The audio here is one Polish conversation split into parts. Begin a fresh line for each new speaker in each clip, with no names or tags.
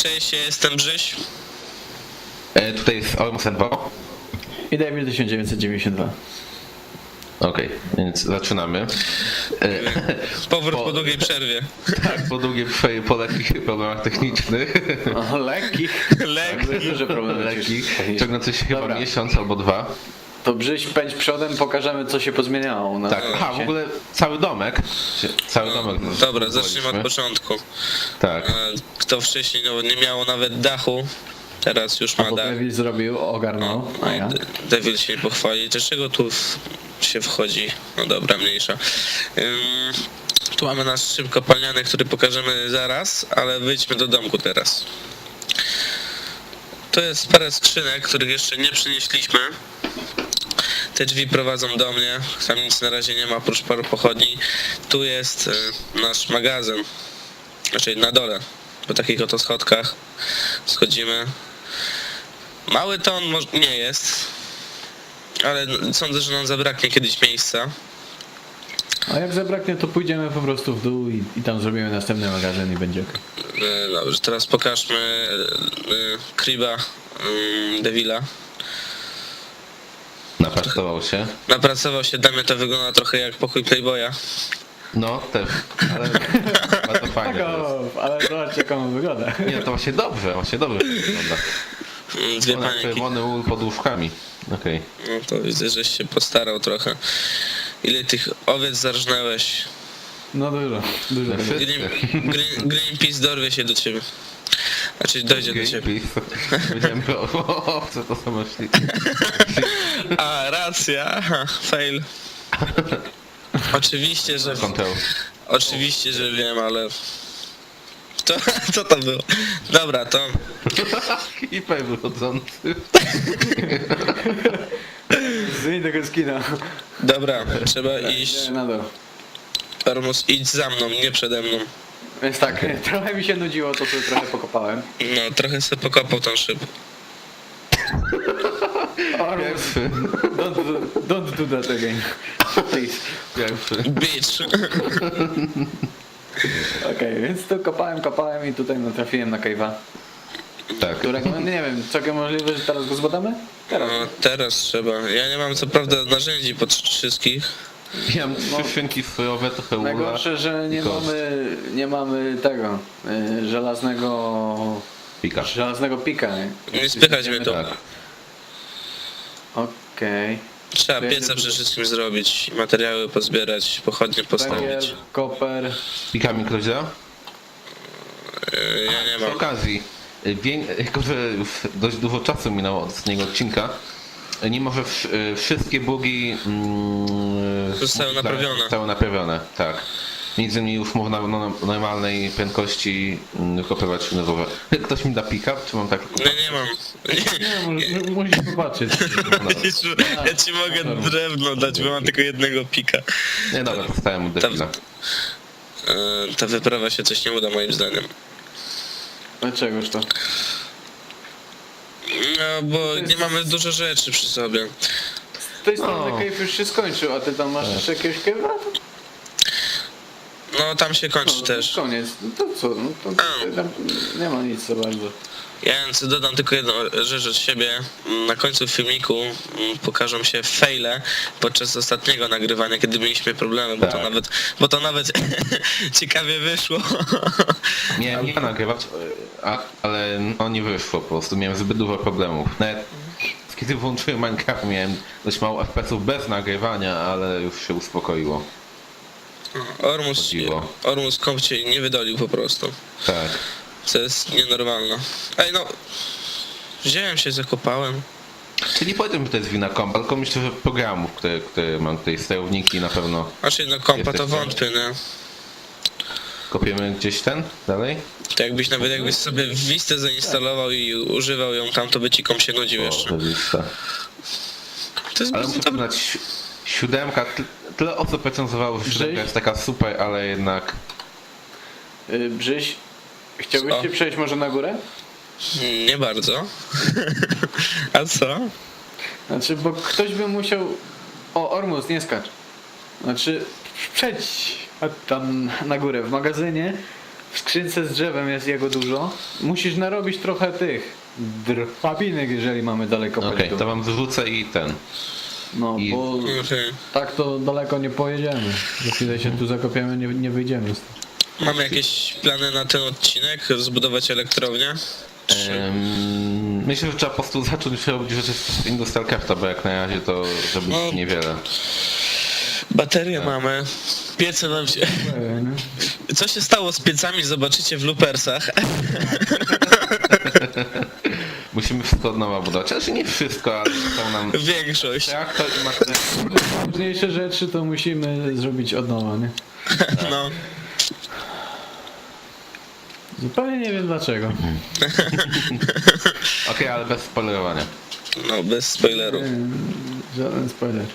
Cześć, ja jestem Brzyś.
Tutaj jest Ormus 2.
I Devil 1992.
Okej, więc zaczynamy.
Powrót po długiej przerwie.
Tak, po długiej po lekkich problemach technicznych.
O, lekkich.
Lekki.
Duże problemy.
Lekkich, ciągnący się chyba
Dobra.
miesiąc albo 2.
To Brzyś, pędź przodem, pokażemy co się pozmieniało. Na
Tak, aha, w ogóle cały domek. Cały domek.
Dobra, zacznijmy od początku.
Tak.
Kto wcześniej nie miał nawet dachu, teraz już ma
Bo
dach.
Devil zrobił, ogarnął, a ja?
Devil się nie pochwali. Dlaczego tu się wchodzi? No dobra, mniejsza. Tu mamy nasz szyb kopalniany, który pokażemy zaraz, ale wyjdźmy do domku teraz. To jest parę skrzynek, których jeszcze nie przynieśliśmy. Te drzwi prowadzą do mnie, tam nic na razie nie ma oprócz paru pochodni. Tu jest nasz magazyn, znaczy na dole, po takich oto schodkach schodzimy. Mały to on nie jest, ale sądzę, że nam zabraknie kiedyś miejsca.
A jak zabraknie, to pójdziemy po prostu w dół i tam zrobimy następny magazyn i będzie ok.
Dobrze, teraz pokażmy Kriba Devila.
Napracował się.
Napracował się, dla mnie to wygląda trochę jak pokój Playboya.
No, też. Ale bardzo fajnie.
Tak, ale zobaczcie jak on wygląda.
Nie, to właśnie dobrze wygląda.
Dwie
Ona
panienki.
czerwony ul pod łóżkami. Okej.
No to widzę, żeś się postarał trochę. Ile tych owiec zarżnęłeś?
No dużo.
Wszyscy.
Greenpeace dorwie się do ciebie. Znaczy dojdzie do ciebie.
Powiedziałem, co to są myśli.
A, racja. Aha, fail. Oczywiście, że wiem, ale... Co to było? Dobra, to...
Hiper wychodzący.
Zmień tego skina.
Dobra, trzeba iść.
Na dół.
Ormus, idź za mną, nie przede mną.
Więc tak, trochę mi się nudziło, to sobie trochę pokopałem.
No, trochę sobie pokopał tą szybę.
Pierwszy.
Don't do that again. Please.
Pierwszy.
Bitch.
Okej, więc tu kopałem i tutaj natrafiłem na cave'a.
Tak.
Którego, no nie wiem, całkiem możliwe, że teraz go zbadamy? Teraz.
No, teraz trzeba. Ja nie mam co prawda narzędzi pod wszystkich.
Ja mam trzy szynki sojowe, trochę ula.
Najgorsze, że
i kost.
nie mamy tego żelaznego pika.
Nie spychać mnie to.
Tak.
Okej.
Trzeba pieca przede wszystkim zrobić, materiały pozbierać, pochodnie
Węgiel,
postawić.
koper.
Pikami ktoś da?
Ja nie
Przy
mam.
okazji, jako że już dość dużo czasu minęło od ostatniego odcinka, nie może wszystkie bugi zostały naprawione, tak. Między innymi już można na normalnej prędkości kopiować nowe. Ktoś mi da pick-up, czy mam tak?
Nie mam.
Nie, musisz popatrzeć.
Ja ci mogę drewno dać, bo mam tylko jednego pika.
Nie, dobra, dostałem od Devila.
Ta wyprawa się coś nie uda moim zdaniem.
Dlaczegoż to?
No, bo nie mamy dużo rzeczy przy sobie.
Z tej strony cave już się skończył, a ty tam masz jeszcze jakiegoś cave'a?
No, tam się kończy też.
Koniec. No to co? No to tam nie ma nic za bardzo.
Ja dodam tylko jedną rzecz od siebie. Na końcu filmiku pokażą się faile podczas ostatniego nagrywania, kiedy mieliśmy problemy,
Tak.
bo to nawet ciekawie wyszło.
Miałem ja nagrywać, ale no nie wyszło po prostu, miałem zbyt dużo problemów. Nawet kiedy włączyłem Minecraft, miałem dość mało FPS-ów bez nagrywania, ale już się uspokoiło.
Ormus komp cię nie wydolił po prostu.
Tak.
Co jest nienormalne. Ej no, wziąłem się, zakopałem.
Czyli powiedziałbym, że to jest wina kompa, tylko myślę, że programów, które mam tutaj, sterowniki na pewno.
Znaczy no kompa to
Jesteś
wątpię, nie?
Kopiemy gdzieś dalej?
To jakbyś sobie Vistę zainstalował i używał ją tam, to by ci komp się nudził jeszcze.
Lista.
To jest
Ale
bardzo
muszę
dobre.
przyznać, 7, tyle osób recenzowało, że 7 jest taka super, ale jednak...
Brzyś, chciałbyś
Co?
się przejść może na górę?
Nie bardzo. A co?
Znaczy, bo ktoś by musiał... O, Ormus, nie skacz. Znaczy, przejdź tam na górę w magazynie. w skrzynce z drzewem jest jego dużo. Musisz narobić trochę tych drabinek, jeżeli mamy daleko
Okej,
pojść.
to wam wyrzucę i ten.
No,
i-
bo
Okej.
tak to daleko nie pojedziemy. Za chwilę się tu zakopiemy, nie wyjdziemy.
Mamy jakieś plany na ten odcinek? Zbudować elektrownię?
Myślę, że trzeba po prostu zacząć robić rzeczy z Industrial Crafta, bo jak na razie to zrobić
No.
niewiele.
Baterie mamy. Piece nam się... Co się stało z piecami, zobaczycie w loopersach.
Musimy wszystko od nowa budować. Znaczy nie wszystko, ale są nam
Większość.
traktor i materiał.
Ważniejsze rzeczy to musimy zrobić od nowa, nie?
No.
Zupełnie nie wiem dlaczego.
Okej, ale bez spoilerowania.
No, bez spoilerów.
Żaden spoiler.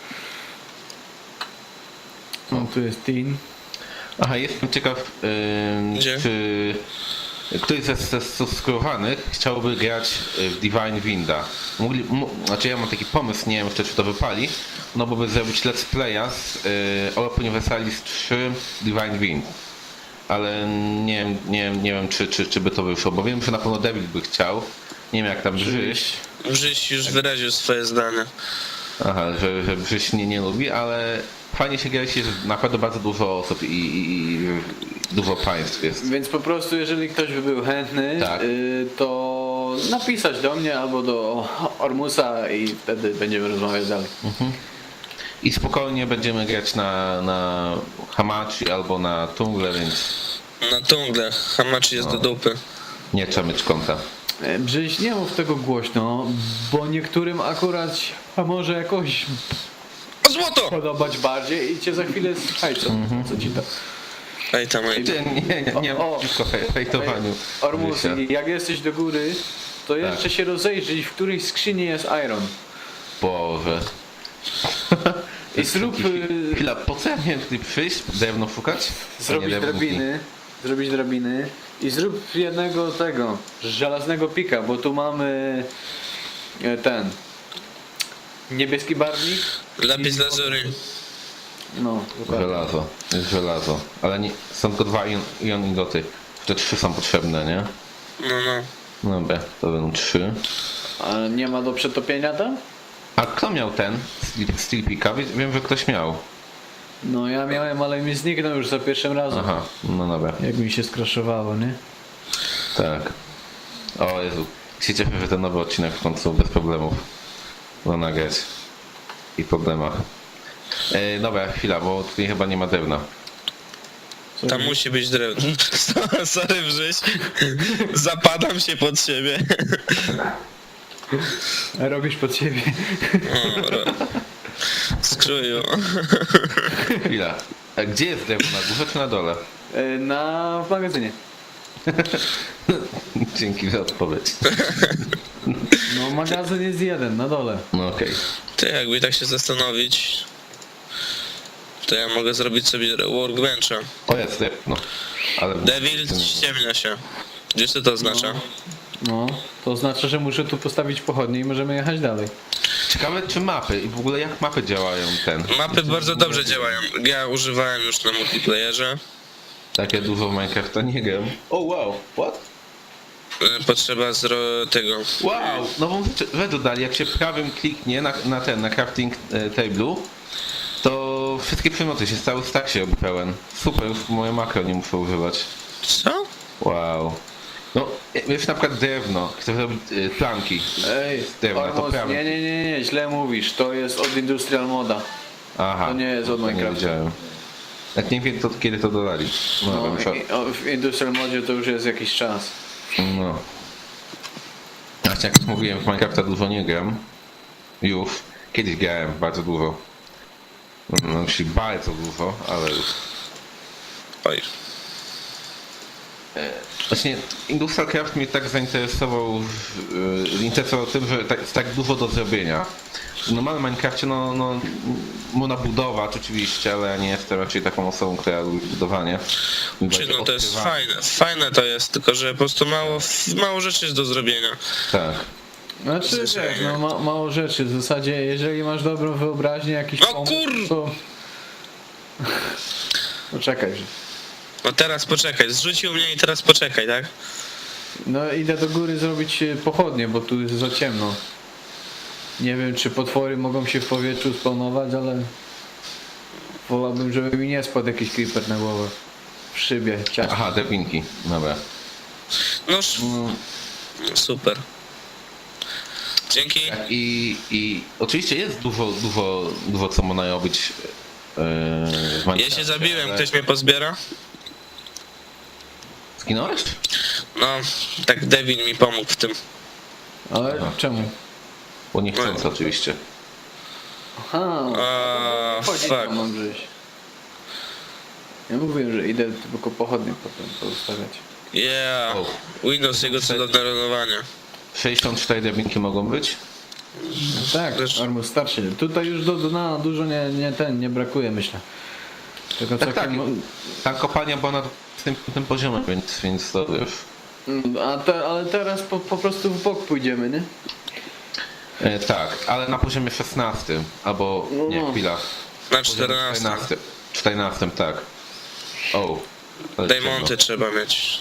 No, tu jest Teen.
Aha, jestem ciekaw,
Gdzie?
czy ktoś ze subskrybowanych chciałby grać w Divine Winda. Znaczy ja mam taki pomysł, nie wiem jeszcze czy to wypali, no bo by zrobić let's playa z Europa Universalis 3 Divine Wind. Ale nie wiem czy by to wyszło, bo wiem, że na pewno David by chciał. Nie wiem jak tam Brzyś.
Brzyś już wyraził swoje zdanie.
Aha, że Brzyś nie lubi, ale fajnie się gra, jeśli jest naprawdę bardzo dużo osób i dużo państw jest.
Więc po prostu, jeżeli ktoś by był chętny,
Tak.
to napisać do mnie albo do Ormusa i wtedy będziemy rozmawiać dalej.
I spokojnie będziemy grać na Hamachi albo na Tungle, więc
Na tungle. Hamachi jest do dupy.
nie trzeba mieć konta.
Brzyś, nie mów tego głośno, bo niektórym akurat może jakoś
O złoto!
podobać bardziej i cię za chwilę słuchajcie, co ci to.
Ej tam, ej.
Nie
O,
przeciwko hejtowaniu.
Ormus,
Brzysia.
jak jesteś do góry, to jeszcze się rozejrzyj, w której skrzyni jest Iron.
Boże.
I zrób,
Chwila, po co ja miałem tutaj przyjść? Drewno szukać?
zrobić
Nie,
drabiny i zrób jednego tego, żelaznego pika, bo tu mamy ten niebieski barwnik.
Lapis lazuli.
No, dokładnie.
Żelazo, jest żelazo. Ale nie, są tylko 2 ion ingoty. Te 3 są potrzebne, nie?
No, no.
Dobra, to będą 3.
A nie ma do przetopienia tam?
A kto miał ten Steel Picka? Wiem, że ktoś miał.
No ja miałem, ale mi zniknął już za pierwszym razem.
Aha, no dobra.
Jak mi się skraszowało, nie?
Tak. O Jezu. Się cieszę, że ten nowy odcinek w końcu bez problemów ma nagrać. I problemach. Dobra, chwila, bo tutaj chyba nie ma drewna.
Co
Tam musi być drewno. Sorry, Brzyś. Zapadam się pod siebie.
robisz pod siebie?
Skruju.
Chwila. A gdzie jest drewno? Na górze czy na dole?
W magazynie.
Dzięki za odpowiedź.
No magazyn jest jeden, na dole.
No okej.
Ty, jakby tak się zastanowić, to ja mogę zrobić sobie workbencha.
O jest drewno. Ale...
Devil ściemnia się. Gdzieś to oznacza?
No, to oznacza, że muszę tu postawić pochodnie i możemy jechać dalej.
Ciekawe czy mapy i w ogóle jak mapy działają ten.
Mapy bardzo dobrze działają. Ja używałem już na multiplayerze.
Takie dużo w Minecrafta nie gram. O wow, what?
Potrzeba tego.
Wow, nową rzecz dodali, jak się prawym kliknie na crafting table'u, to wszystkie przedmioty się cały stack się robi pełen. Super, już moje makro nie muszę używać.
Co?
Wow. No, wiesz na przykład drewno, chcę zrobić planki.
Ej,
z drewna, to
Ormus,
prawym.
nie, źle mówisz. To jest od Industrial Moda.
Aha.
To nie jest od
to
Minecrafta.
Nie wiedziałem. Jak nie wiem to kiedy to dodali. No,
No,
muszę...
w Industrial Modzie to już jest jakiś czas.
No. Właśnie jak już mówiłem, w Minecrafta dużo nie gram. Już. Kiedyś grałem bardzo dużo. No, czyli bardzo dużo, ale już.
Oj.
Właśnie Industrial Craft mnie tak zainteresował tym, że jest tak dużo do zrobienia. W normalnym Minecrafcie no można budować oczywiście, ale ja nie jestem raczej taką osobą, która lubi budowanie.
Czy no to jest fajne. Fajne to jest, tylko że po prostu mało rzeczy jest do zrobienia.
Tak.
Znaczy, wiesz, no mało rzeczy. W zasadzie, jeżeli masz dobrą wyobraźnię, jakiś
No
pomysł,
kur...
to... Poczekaj, że...
No teraz poczekaj, zrzucił mnie i teraz poczekaj, tak?
No idę do góry zrobić pochodnie, bo tu jest za ciemno. Nie wiem, czy potwory mogą się w powietrzu spawnować, ale wolałbym, żeby mi nie spadł jakiś creeper na głowę. W szybie, ciasto.
Aha, drabinki. Dobra.
No super. Dzięki.
I oczywiście jest dużo co można robić w
Ja
Minecrafcie,
się zabiłem,
ale-
ktoś mnie pozbiera?
Zginąłeś?
No, tak Devin mi pomógł w tym.
Ale
Aha.
czemu?
Bo niechcący oczywiście.
Aha, chodzi
Fuck.
tam mam gdzieś. Ja mówiłem, że idę tylko pochodnie potem poustawiać.
Yeah.
O.
Windows, jego cudowne renowanie.
64 drabinki mogą być?
No tak,
Też-
Armus starszy. Tutaj już do dna dużo nie brakuje, myślę. Tylko
Tak, tak.
całkiem-
Ta kopalnia była na tym poziomie, więc to wiesz.
Ale teraz po prostu w bok pójdziemy, nie?
Tak, ale na poziomie 16, albo nie,
No.
chwila.
Na
Poziomie
14.
14, tak. O. ale
Diamonty
ciemno.
trzeba mieć.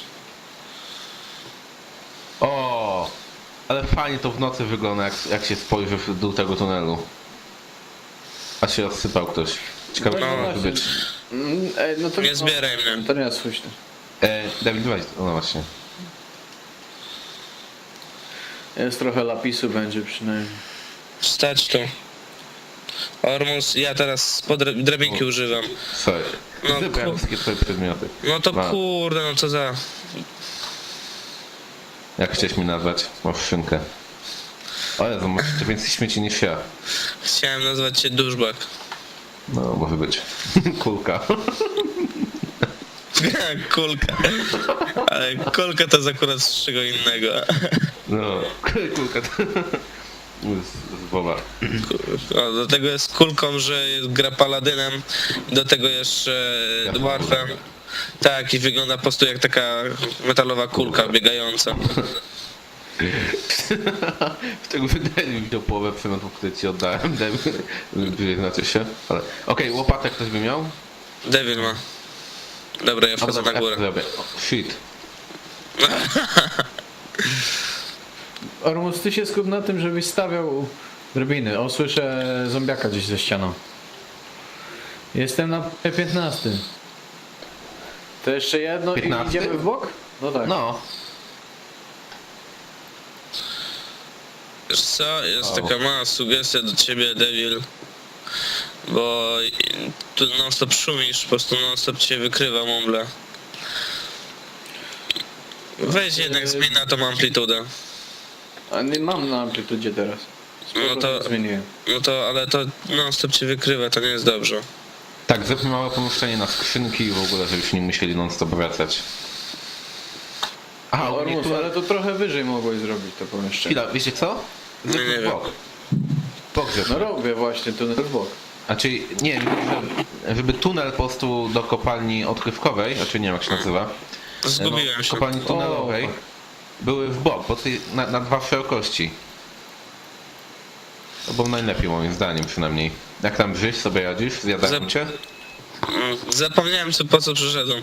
O, ale fajnie to w nocy wygląda, jak się spojrzy w dół tego tunelu. A się rozsypał ktoś. Ciekawe,
No
co może
właśnie.
być.
No to
Nie zbieraj mnie.
To nie jest słuszne.
Dawid, weź, no właśnie.
Jest trochę lapisu będzie przynajmniej.
Stać tu. Ormus, ja teraz drabinki używam.
Sorry.
No,
Wybrałem wszystkie twoje przedmioty.
No to
Wow.
kurde, no co za...
Jak chciałeś mi nazwać? Masz szynkę. O Jezu, masz jeszcze więcej śmieci niż ja.
Chciałem nazwać cię duszbak.
No, może być. Kulka.
Kulka. Ale kulka to jest akurat z czego innego.
No, kulka to... Z Boba.
O, do tego jest kulką, że gra paladynem. Do tego jeszcze dwarfem. Tak, i wygląda po prostu jak taka metalowa kulka biegająca.
Z tego wydaje mi się połowę przedmiotów, które ci oddałem. Znaczy się. Ale... Okej, łopatę ktoś by miał?
Devil ma. Dobra, ja wchodzę na górę.
Zrobię. O, shit.
Ormus, ty się skup na tym, żebyś stawiał drabiny. O, słyszę zombiaka gdzieś ze ścianą. Jestem na P15. To jeszcze jedno
15?
i idziemy w bok? No tak.
No.
Wiesz co, jest
O.
taka mała sugestia do ciebie, Devil. Bo tu non stop szumisz, po prostu non stop cię wykrywa mumble. Weź jednak zmień na tą amplitudę.
A nie mam na amplitudzie teraz.
No to-
Zmieniłem.
No to, ale to non stop cię wykrywa, to nie jest dobrze.
Tak, zróbmy małe pomieszczenie na skrzynki i w ogóle, żebyśmy nie musieli non-stop wracać. Aha, ogólnie
Ormus,
tu...
ale to trochę wyżej mogłeś zrobić to pomieszczenie.
Chwila, wiecie co?
Nie
Zróbmy
wiem.
bok. Bok
No
zróbmy.
robię właśnie tunel w bok.
Znaczy, nie, żeby tunel po prostu do kopalni odkrywkowej, znaczy nie wiem jak się nazywa,
Zgubiłem się.
kopalni tunelowej,
O,
były w bok, bo tutaj na dwa szerokości. To było najlepiej moim zdaniem przynajmniej. Jak tam żyć, sobie radzisz? Zjadają cię?
Zapomniałem po co przyszedłem.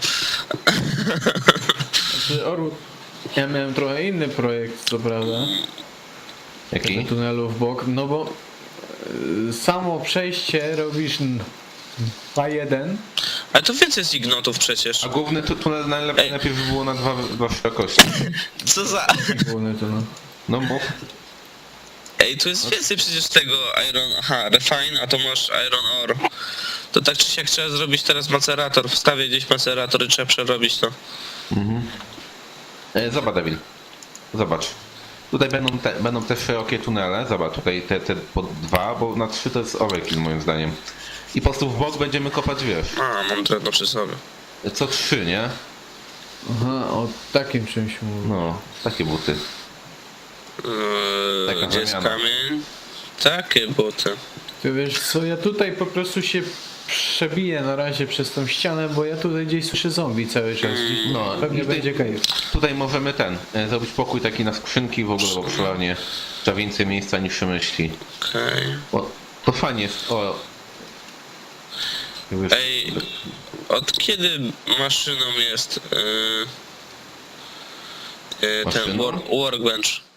Znaczy, Ormus, ja miałem trochę inny projekt, co prawda.
Jaki?
Tunelu w bok, no bo samo przejście robisz A1.
Ale to więcej jest ignotów przecież.
A główny tunel najlepiej
Ej.
by było na dwa szerokości.
Co za...
Główny tunel.
No mów.
Ej, tu jest więcej przecież tego iron... Aha, refine, a to masz iron ore. To tak czy siak trzeba zrobić teraz macerator. Wstawię gdzieś macerator i trzeba przerobić to.
Zobacz, Devil. Zobacz. Tutaj będą te szerokie tunele. Zobacz, tutaj te po dwa, bo na 3 to jest overkill moim zdaniem. I po prostu w bok będziemy kopać, wiesz,
A, mam drewno przy sobie.
co 3, nie?
Aha, o takim czymś mówię.
No, takie buty. Taka
Gdzie jest
zamiana.
kamień? Takie buty.
Ty wiesz co, ja tutaj po prostu się przebiję na razie przez tą ścianę, bo ja tutaj gdzieś słyszę zombie cały czas.
No,
Pewnie
i ty-
będzie cave.
Tutaj możemy zrobić pokój taki na skrzynki w ogóle, bo przeważnie trzeba więcej miejsca niż się myśli.
Okej.
Bo to fajnie jest, Już...
Ej, od kiedy maszyną jest ten
Maszyną?
workbench?